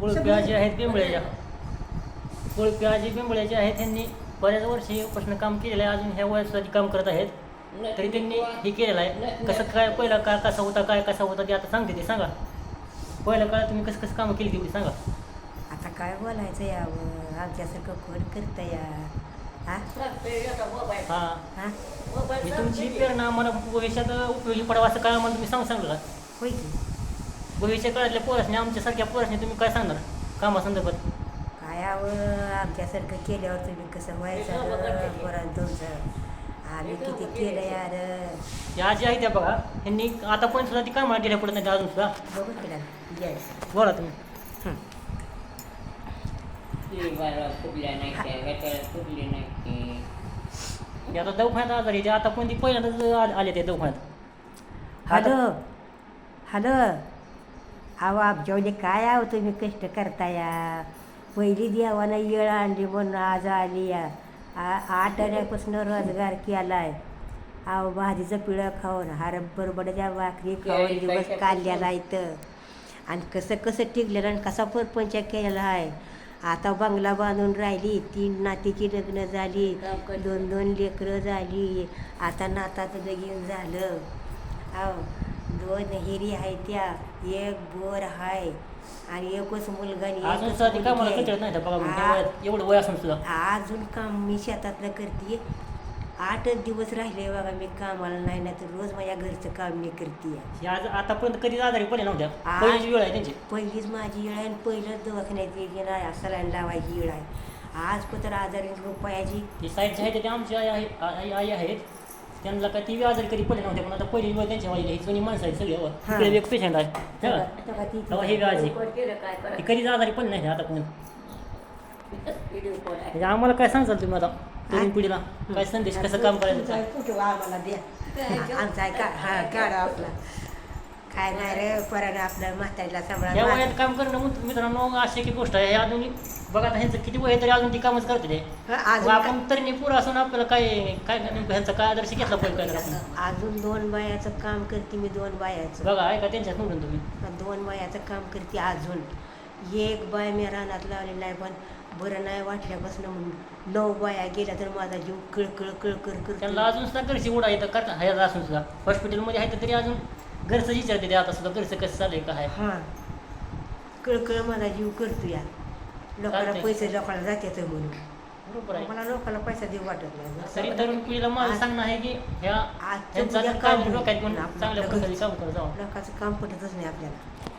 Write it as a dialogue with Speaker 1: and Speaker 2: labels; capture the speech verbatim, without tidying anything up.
Speaker 1: कोळपे आजी आहेत पिंपळ्याच्या कोळपे आजी पिंपळ्याचे आहेत. त्यांनी बऱ्याच वर्षीपासून काम केलेलं आहे. अजून ह्या वयात सुद्धा काम करत आहेत. तरी त्यांनी हे केलेलं आहे. कसं काय पहिला काळ कसा होता काय कसा होता ते आता सांगते ते सांगा. पहिल्या काळात तुम्ही कसं कसं कामं केली तेवढी सांगा.
Speaker 2: आता काय बोलायचं यावं आमच्यासारखं कोण करतं या हा
Speaker 1: हां
Speaker 2: हा
Speaker 1: मी तुमची प्रेरणा मला भविष्यात उपयोगी पडावं असं काय मला तुम्ही सांग सांगलं का
Speaker 2: होय की
Speaker 1: भविष्य काळातल्या पोरासने आमच्यासारख्या पोरासने तुम्ही काय सांगणार कामासंदर्भात.
Speaker 2: काय यावं आमच्यासारखं केल्यावर तुम्ही कसं व्हायचं पोरांचं तुमचं आम्ही किती केलं यार
Speaker 1: या आजी आहे त्या बघा यांनी आता पण सुद्धा ती कामाला गेल्या पडत नाही अजून सुद्धा.
Speaker 2: बघू केला गॅस
Speaker 1: बोला तुम्ही. हे आता दवाखान्यात आजारी आहे ते आता पण ती पहिल्यांदाच आ- आले ते दवाखान्यात.
Speaker 2: हॅलो हॅलो अहो आमच्यामध्ये काय आहो तुम्ही कष्ट करता या पहिली देवानं येळ आणली म्हणून आज आली या आ आठ आण्यापासून रोजगार केला आहे. अहो भाजीचं पिळं खाऊन हरभर बडच्या भाकरी खाऊन दिवस काढलेला इथं आणि कसं कसं टिकलेलं आणि कसा परपंच केलेला आहे. आता बंगला बांधून राहिली तीन नातीची लग्न झाली दोन दोन लेकरं झाली आता नाताचं लगीन झालं. अहो दोन हिरी आहे त्या एक बोर आहे आणि एकच मुलगा आणि
Speaker 1: अजून
Speaker 2: एकच
Speaker 1: सुद्धा ती कामाला
Speaker 2: मुलगी
Speaker 1: कंटाळत नाही त्या बघा मग त्या
Speaker 2: आहे.
Speaker 1: वयात एवढं वय असून सुद्धा.
Speaker 2: अजून काम मी शेतातलं करते आठच दिवस राहिले बघा मी कामाला नाही ना तर रोज माझ्या घरचं काम मी करते.
Speaker 1: हे आज आतापर्यंत कधीच आजारी पडले नव्हत्या
Speaker 2: आ-
Speaker 1: पहिलीच वेळ आहे त्यांची.
Speaker 2: पहिलीच माझी येळ आहे आणि पहिलंच दवाखान्यात गेला सलाईन लावायची येळ आहे. आज पत्र आजारी रुपयाची
Speaker 1: ही साईडचे आहेत ते आमची आई आहे आई आई आहेत त्यांना काय ती बी आजारी कधी पडले नव्हते पण आता पहिली वेळ त्यांच्या वाईला ही जुनी माणसं आहेत सगळी.
Speaker 2: हां.
Speaker 1: तिकडे एक पेशंट आहे
Speaker 2: तेव्हा-
Speaker 1: तेव्हा
Speaker 2: तेव्हा ती-
Speaker 1: तेव्हा हे बी आजी
Speaker 2: काय
Speaker 1: ती कधीच आजारी पडली नाही आता पण. म्हणजे आम्हाला काय सांगाल तुम्ही आता तरुण पिढीला काय संदेश कसं काम करायचं काय?
Speaker 2: कुठं आम्हाला द्या आमचा आहे का हा काढा आपला काय नाही रे पराने आपल्या म्हातारीला
Speaker 1: या
Speaker 2: सांभाळा
Speaker 1: वयात काम करणं मित्र- मित्रांनो अशी की गोष्ट आहे. हे अजून बघा आता ह्यांचं किती वय आहे तरी अजून ती कामच करते ते.
Speaker 2: अजून
Speaker 1: मग आपण तरी पुरं असून आपल्याला काय काय नेमकं ह्यांचा काय आदर्श घेतला पाहिजे काय करायचं आपण.
Speaker 2: अजून दोन बायाचं काम करते मी दोन बायाचं
Speaker 1: बघा आहे का त्यांच्यात म्हणून तुम्ही
Speaker 2: दोन बायाचं काम करते अजून एक बाय मी रानात लावली नाही पण बरं नाही वाटल्यापासून म्हणून नऊ बाया गेल्या तर माझा जीव कळकळ कळकळ
Speaker 1: त्यांना
Speaker 2: कर
Speaker 1: अजून सुद्धा घरची उडा येतं करता ह्यात असून सुद्धा हॉस्पिटलमध्ये आहे तरी अजून घरचं विचारते ते आता सुद्धा घरचं कसं चालू आहे काय.
Speaker 2: हां कळकळ माझा जीव करतो या लोकांना
Speaker 1: चालतंय.
Speaker 2: पैसे लोकांना जातात म्हणून
Speaker 1: बरोबर आहे.
Speaker 2: मला लोकांना पैसा देऊ वाटत नाही
Speaker 1: तरी तरुण पिढीला माझं सांगणं आहे की ह्या
Speaker 2: आजचं
Speaker 1: ह्यांचं
Speaker 2: उद्या
Speaker 1: अजून
Speaker 2: काम
Speaker 1: काम
Speaker 2: होईल.
Speaker 1: डोक्यात घेऊन
Speaker 2: आपलं-
Speaker 1: चांगल्या
Speaker 2: आपलं
Speaker 1: प्रकारे काम करत जावं.
Speaker 2: लोकांचं काम पटतच नाही आपल्याला.